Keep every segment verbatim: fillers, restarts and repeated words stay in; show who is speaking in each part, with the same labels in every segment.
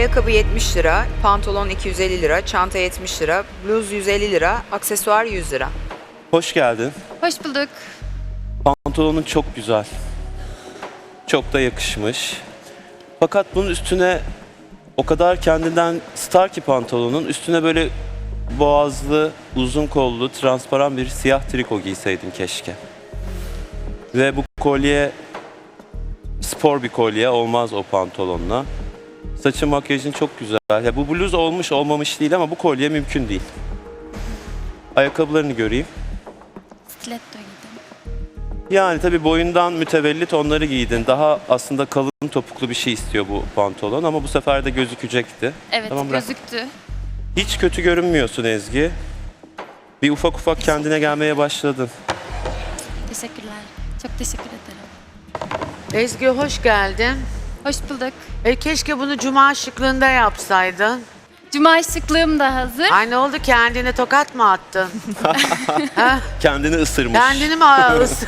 Speaker 1: Ayakkabı yetmiş lira, pantolon iki yüz elli lira, çanta yetmiş lira, bluz yüz elli lira, aksesuar yüz lira.
Speaker 2: Hoş geldin.
Speaker 3: Hoş bulduk.
Speaker 2: Pantolonun çok güzel. Çok da yakışmış. Fakat bunun üstüne o kadar kendinden star ki pantolonun üstüne böyle boğazlı, uzun kollu, transparan bir siyah triko giyseydin keşke. Ve bu kolye spor bir kolye olmaz o pantolonla. Saçın, makyajın çok güzel. Ya bu bluz olmuş olmamış değil ama bu kolye mümkün değil. Ayakkabılarını göreyim.
Speaker 3: Stiletto giydim.
Speaker 2: Yani tabii boyundan mütevellit onları giydin. Daha aslında kalın topuklu bir şey istiyor bu pantolon ama bu sefer de gözükecekti.
Speaker 3: Evet,
Speaker 2: Tamam, bırak.
Speaker 3: gözüktü.
Speaker 2: Hiç kötü görünmüyorsun Ezgi. Bir ufak ufak kendine gelmeye başladın.
Speaker 3: Teşekkürler. Çok teşekkür ederim.
Speaker 4: Ezgi hoş geldin.
Speaker 3: Hoş bulduk.
Speaker 4: E, keşke bunu cuma şıklığında yapsaydın.
Speaker 3: Cuma şıklığım da hazır.
Speaker 4: Ay ne oldu, kendine tokat mı attın? Ha?
Speaker 2: Kendini ısırmış.
Speaker 4: Kendini mi ağız?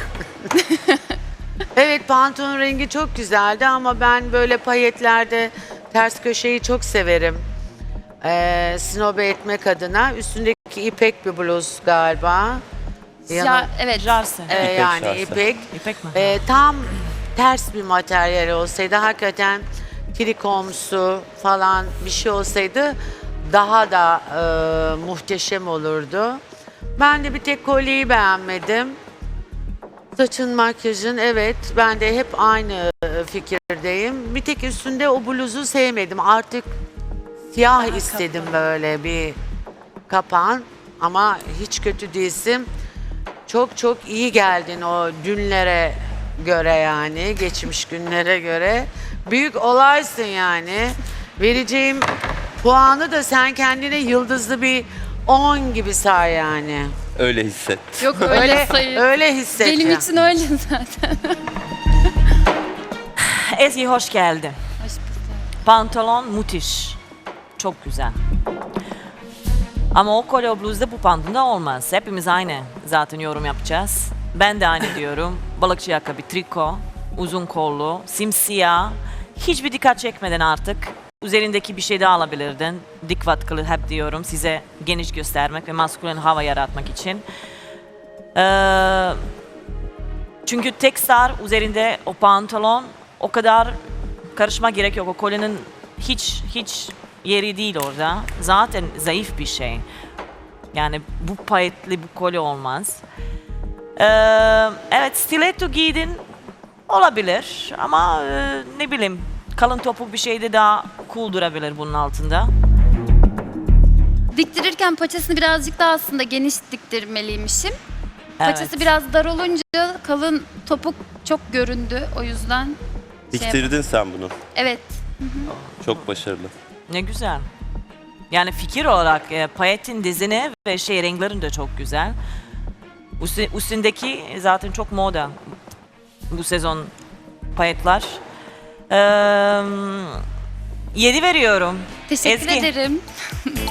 Speaker 4: Evet, pantolon rengi çok güzeldi ama ben böyle payetlerde ters köşeyi çok severim. Ee, snobe etmek adına. Üstündeki ipek bir bluz galiba.
Speaker 3: Ya, evet.
Speaker 5: Jarse.
Speaker 4: Ee,
Speaker 2: İpek
Speaker 4: yani
Speaker 2: şarse.
Speaker 4: ipek.
Speaker 5: İpek mi?
Speaker 4: Ee, tam ters bir materyal olsaydı, hakikaten trikomsu falan bir şey olsaydı daha da e, muhteşem olurdu. Ben de bir tek kolyeyi beğenmedim. Saçın, makyajın, evet, ben de hep aynı e, fikirdeyim. Bir tek üstünde o bluzu sevmedim. Artık siyah
Speaker 5: Daha
Speaker 4: istedim,
Speaker 5: kapalı.
Speaker 4: böyle bir kapan, ama hiç kötü değilsin. Çok çok iyi geldin o dünlere göre, yani geçmiş günlere göre. Büyük olaysın yani. Vereceğim puanı da sen kendine yıldızlı bir on gibi say yani.
Speaker 2: Öyle hisset.
Speaker 3: Yok öyle,
Speaker 4: Öyle
Speaker 3: sayı.
Speaker 4: öyle hisset.
Speaker 3: Benim
Speaker 4: ya.
Speaker 3: için öyle zaten.
Speaker 5: Ezgi hoş geldin.
Speaker 3: Hoş bulduk.
Speaker 5: Pantolon müthiş. Çok güzel. Ama o kolye o bluzda bu pantolonda olmaz. Hepimiz aynı zaten yorum yapacağız. Ben de aynı diyorum. Balıkçı ayakkabı, triko, uzun kollu, simsiyah. Hiçbir dikkat çekmeden artık üzerindeki bir şey de alabilirdin. Dik vatkılı hep diyorum size, geniş göstermek ve maskülen hava yaratmak için. Ee, çünkü tek star üzerinde o pantolon, o kadar karışma gerek yok. O kolyenin hiç hiç yeri değil orada. Zaten zayıf bir şey. Yani bu payetli bu kolye olmaz. Ee, evet, stiletto giydin olabilir ama e, ne bileyim, kalın topuk bir şey de daha cool durabilir bunun altında.
Speaker 3: Diktirirken paçasını birazcık daha aslında geniş diktirmeliymişim.
Speaker 5: Evet.
Speaker 3: Paçası biraz dar olunca kalın topuk çok göründü. O yüzden şey yap-
Speaker 2: Diktirdin sen bunu.
Speaker 3: Evet.
Speaker 2: Çok başarılı.
Speaker 5: Ne güzel. Yani fikir olarak e, payetin dizini ve şey renklerin de çok güzel. Üstü- üstündeki zaten çok moda bu sezon payetler. Ee, yedi veriyorum.
Speaker 3: Teşekkür
Speaker 5: Ezgi.
Speaker 3: ederim.